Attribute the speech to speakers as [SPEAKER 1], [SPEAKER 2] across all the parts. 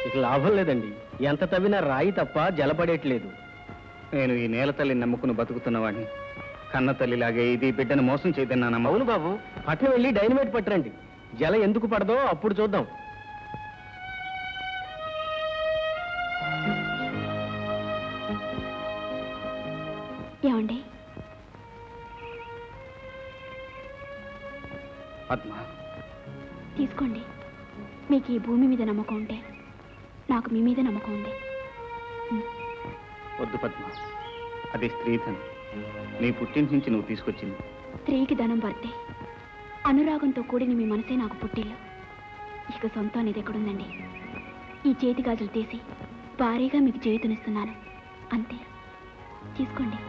[SPEAKER 1] ఇక లాభం లేదండి. ఎంత తవ్వినా రాయి తప్ప జలపడేట్లేదు.
[SPEAKER 2] నేను ఈ నేల తల్లిని నమ్ముకుని బతుకుతున్నవాడిని. కన్న తల్లిలాగే ఇది బిడ్డను మోసం చేయదన్నా.
[SPEAKER 1] అవును బాబు, పట్నం వెళ్ళి డైనమైట్ పట్టరండి. జల ఎందుకు పడదో అప్పుడు చూద్దాం.
[SPEAKER 3] ఏమండి?
[SPEAKER 2] పద్మ,
[SPEAKER 3] తీసుకోండి. మీకు ఈ భూమి మీద నమ్మకం ఉంటే నాకు మీ మీద నమ్మకం ఉంది.
[SPEAKER 2] వద్దు పద్మ, అది స్త్రీధనం. నీ పుట్టింటి నుంచి నువ్వు తీసుకొచ్చింది.
[SPEAKER 3] స్త్రీకి ధనం పడితే అనురాగంతో కూడిన మీ మనసే నాకు పుట్టిల్లు. ఇక సొంతం అనేది ఎక్కడుందండి? ఈ చేతి గాజులు తీసి భారీగా మీకు చేతునిస్తున్నాను, అంతే. తీసుకోండి.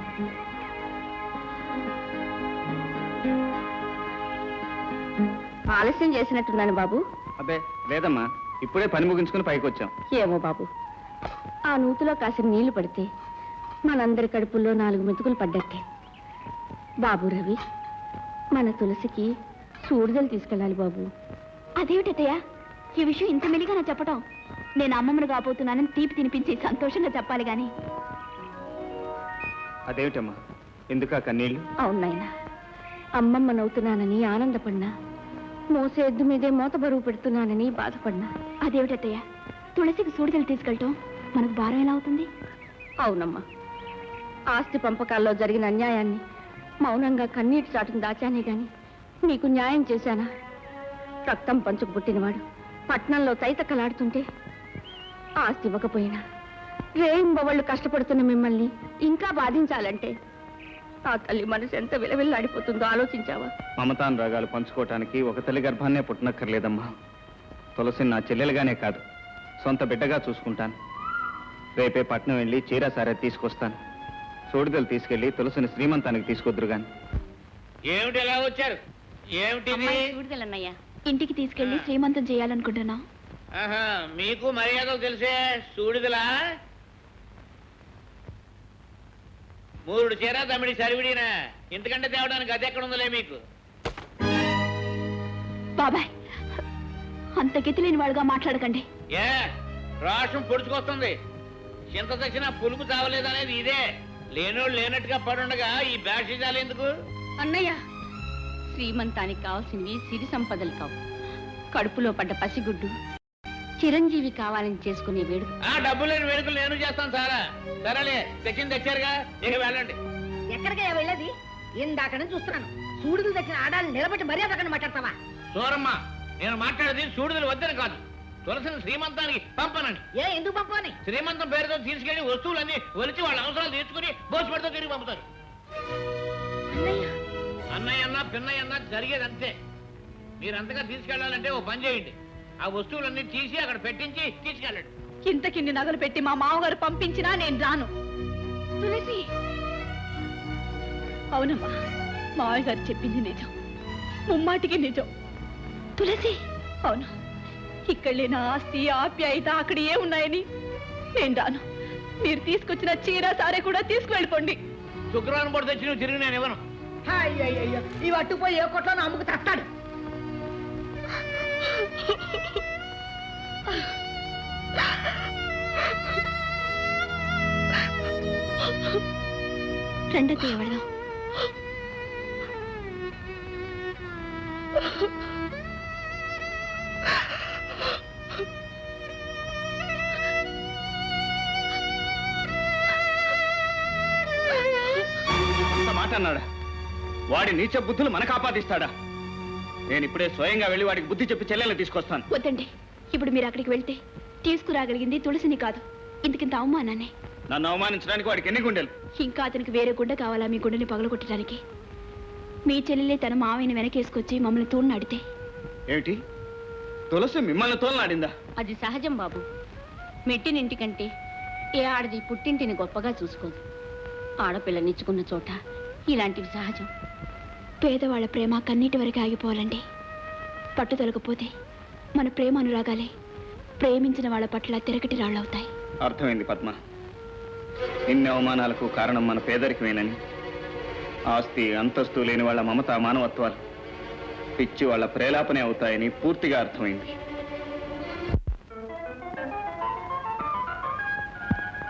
[SPEAKER 4] ఆలస్యం చేసినట్టున్నాను బాబు.
[SPEAKER 2] అబ్బే లేదమ్మా, ఇప్పుడే పని ముగించుకుని పైకి వచ్చాం.
[SPEAKER 4] ఏమో బాబు, ఆ నూతిలో కాసిన నీళ్లు పడితే మనందరి కడుపుల్లో 4 మెతుకులు పడ్డట్టే. బాబు రవి, మన తులసికి సూడిదలు తీసుకెళ్ళాలి బాబు.
[SPEAKER 3] అదేమిటయ్యా ఈ విషయం ఇంత మెలిగా నా చెప్పటం? నేను అమ్మమ్మను కాబోతున్నానని తీపి తినిపించి సంతోషంగా చెప్పాలి గాని.
[SPEAKER 2] అదేమిటమ్మా, ఎందుకా కన్నీళ్ళు?
[SPEAKER 4] అవునాయన, అమ్మమ్మనవుతున్నానని ఆనందపడినా, మోసే ఎద్దు మీదే మోత బరువు పెడుతున్నానని బాధపడినా.
[SPEAKER 3] అదేమిటయ్యా తులసికి సూడిదలు తీసుకెళ్ళటం మనకు భారం ఎలా అవుతుంది?
[SPEAKER 4] అవునమ్మా, ఆస్తి పంపకాల్లో జరిగిన అన్యాయాన్ని మౌనంగా కన్నీటి చాటును దాచానే గాని నీకు న్యాయం చేశానా? రక్తం పంచుకు పుట్టినవాడు పట్నంలో తైతక్కలాడుతుంటే ఆస్తి ఇవ్వకపోయినా రేయింబవళ్ళు కష్టపడుతున్న మిమ్మల్ని ఇంకా బాధించాలంటే ఆ తల్లి మనసు ఎంత విలవిల్లాడిపోతుందో ఆలోచించావా?
[SPEAKER 2] మమతానురాగాలు పంచుకోవటానికి ఒక తల్లి గర్భాన్నే పుట్టనక్కర్లేదమ్మా. తులసిని నా చెల్లెలుగానే కాదు, సొంత బిడ్డగా చూసుకుంటాను. రేపే పట్నం వెళ్ళి చీర సారే తీసుకొస్తాను. సూడిదలు తీసుకెళ్లి తులసిని శ్రీమంతానికి తీసుకొద్దురు గాని.
[SPEAKER 5] ఏమిటి ఎలా వచ్చారు?
[SPEAKER 4] సూడిదలన్నయ్యా.
[SPEAKER 3] ఇంటికి తీసుకెళ్లి శ్రీమంతం చేయాలనుకుంటున్నా.
[SPEAKER 5] మీకు మర్యాదలు తెలిసే సూడిదలా? 3 చీర తమిడి సరివిడినా, ఇంతకంటే తేవడానికి అది ఎక్కడ ఉందలే మీకు.
[SPEAKER 3] బాబాయ్, అంత గతి లేని వాడుగా మాట్లాడకండి.
[SPEAKER 5] ఏ రాష్ట్రం పొడుచుకొస్తుంది. చింత తెచ్చినా పులుపు చావలేదనేది ఇదే. లేనోళ్ళు లేనట్టుగా పడుండగా ఈ బ్యాషిజాలు ఎందుకు?
[SPEAKER 4] అన్నయ్య, శ్రీమంతానికి కావాల్సినవి సిరి సంపదలు కావు, కడుపులో పడ్డ పసిగుడ్డు చిరంజీవి కావాలని చేసుకునే వేడుక.
[SPEAKER 5] ఆ డబ్బు లేని వేడుకలు నేను చేస్తాను సారా. సరేలే, తెచ్చింది తెచ్చారుగా, ఇక వెళ్ళండి.
[SPEAKER 6] ఎక్కడికయ్యా వెళ్ళేది? ఇందాక నుంచి చూస్తున్నాను. సూడులు తెచ్చిన ఆడాలను నిలబెట్టి మర్యాద అక్కడ మాట్లాడతావా?
[SPEAKER 5] సూరమ్మ, నేను మాట్లాడేది సూడుదలు వద్దని కాదు, తులసిని శ్రీమంతానికి పంపనండి.
[SPEAKER 6] ఎందుకు పంపని?
[SPEAKER 5] శ్రీమంతం పేరుతో తీసుకెళ్లి వస్తువులన్నీ ఒలిచి వాళ్ళ అవసరాలు తీర్చుకుని భోజపడితో తిరిగి పంపుతారు. అన్నయ్య అన్నా పిన్నయ్య అన్నా జరిగేది అంతే. మీరు అంతగా తీసుకెళ్లాలంటే ఓ పని చేయండి, ఆ వస్తువులన్నీ తీసి అక్కడ పెట్టించి తీసుకెళ్ళండి.
[SPEAKER 3] ఇంతకిన్ని నగలు పెట్టి మా మామగారు పంపించినా నేను రాను. తులసి, అవునమ్మా, మావయ్య గారు చెప్పింది నిజం, ముమ్మాటికి నిజం. తులసి, అవును, ఇక్కడ లేని ఆస్తి ఆప్యాయత అక్కడ ఏ ఉన్నాయని నేను రాను. మీరు తీసుకొచ్చిన చీర సారే కూడా తీసుకువెళ్ళిపోండి.
[SPEAKER 5] శుక్రవారం పూట తెచ్చి నువ్వు తిరిగి నేను ఇవ్వను.
[SPEAKER 6] అయ్యో, ఇవి అట్టుపోయి ఏ కొట్లో అమ్ముకు తస్తాడు.
[SPEAKER 3] రెండో ఎవడదాం.
[SPEAKER 2] మాట అన్నాడా? వాడి నీచ బుద్ధులు మనకు ఆపాదిస్తాడా? నేను ఇప్పుడే స్వయంగా వెళ్ళి వాడికి బుద్ధి చెప్పి చెల్లెలు తీసుకొస్తాను.
[SPEAKER 3] వద్దండి, ఇప్పుడు మీరు అక్కడికి వెళ్తే తీసుకురాగలిగింది తులసిని కాదు, ఇంతకింత అవమానాన్ని.
[SPEAKER 2] నన్ను అవమానించడానికి వాడికి ఎన్ని గుండెలు?
[SPEAKER 3] ఇంకా అతనికి వేరే గుండె కావాలా మీ గుండెని పగలగొట్టడానికి? మీ చెల్లెలే తన మావయ్యని వెనకేసుకొచ్చి మమ్మల్ని తోడునాడితే.
[SPEAKER 2] ఏమిటి, తులసి మిమ్మల్ని తోలనాడిందా?
[SPEAKER 4] అది సహజం బాబు. మెట్టినింటికంటే ఏ ఆడది పుట్టింటిని గొప్పగా చూసుకోదు. ఆడపిల్లనిచ్చుకున్న చోట ఇలాంటివి సహజం.
[SPEAKER 3] పేదవాళ్ల ప్రేమ కన్నీటి వరకు ఆగిపోవాలండి. పట్టుదలకపోతే మన ప్రేమ అనురాగాలే ప్రేమించిన వాళ్ళ పట్ల తిరగటి రాళ్ళవుతాయి.
[SPEAKER 2] అర్థమైంది పద్మ. ఇన్ని అవమానాలకు కారణం మన పేదరికమేనని, ఆస్తి అంతస్తు లేని వాళ్ళ మమత మానవత్వాలు పిచ్చి వాళ్ళ ప్రేలాపనే అవుతాయని పూర్తిగా అర్థమైంది.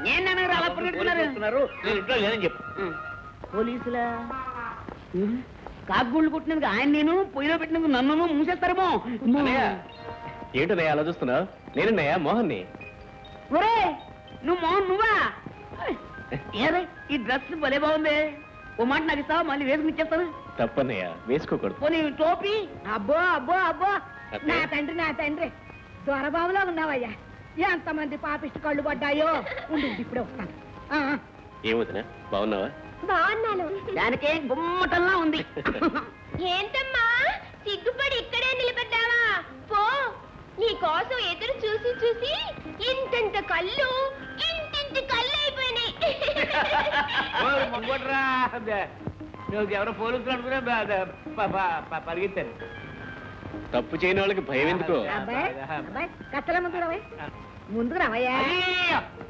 [SPEAKER 6] ఏం నాన్నగారు అలా పరిగెడుతున్నారు?
[SPEAKER 5] వస్తున్నారు, నేను ఇంట్లో లేదని చెప్పు.
[SPEAKER 6] పోలీసులా కాకుగూళ్ళు కొట్టినందుకు ఆయన నేను పొయ్యిలో పెట్టినందుకు నన్ను మూసేస్తారేమో.
[SPEAKER 1] అన్నయ్య, ఏంటన్నయ్య అలా చూస్తున్నావు? నేనన్నయ్య మోహన్ని.
[SPEAKER 6] ఒరే నువ్వు మోహన్ నువ్వా? ఏదే ఈ డ్రెస్ భలే బాగుంది. ఓ మాట నాకు ఇస్తావా? మళ్ళీ వేసుకుని ఇచ్చేస్తాను.
[SPEAKER 1] తప్పన్నయ్య, వేసుకోకూడదు.
[SPEAKER 6] పోనీ టోపీ. అబ్బో అబ్బో అబ్బో
[SPEAKER 1] అత్తయ్య.
[SPEAKER 6] నా తండ్రి దొరబాబులో ఉన్నావయ్యా. ఎంతమంది పాపిష్టి కళ్ళు పడ్డాయో. ఉండు ఇప్పుడే వస్తాను.
[SPEAKER 1] ఏమవుతున్నా, బాగున్నావా?
[SPEAKER 4] బాగున్నాను.
[SPEAKER 6] దానికే గుమ్మటంలా ఉంది.
[SPEAKER 4] ఏంటమ్మా సిగ్గుపడి ఇక్కడే నిలబడ్డావా? పో, నీ కోసం ఎదురు చూసి చూసి ఇంతంత కళ్ళు ఇంతింత కళ్ళు అయిపోయినాయి.
[SPEAKER 5] నువ్వు ఎవరో పోలీసులు అనుకున్నా పరిగెత్తారు.
[SPEAKER 1] తప్పు చేయని వాళ్ళకి భయం ఎందుకు?
[SPEAKER 6] అబ్బాయి అబ్బాయి కత్తల ముందు రావయ్య. ముందుకు రావయ్యా.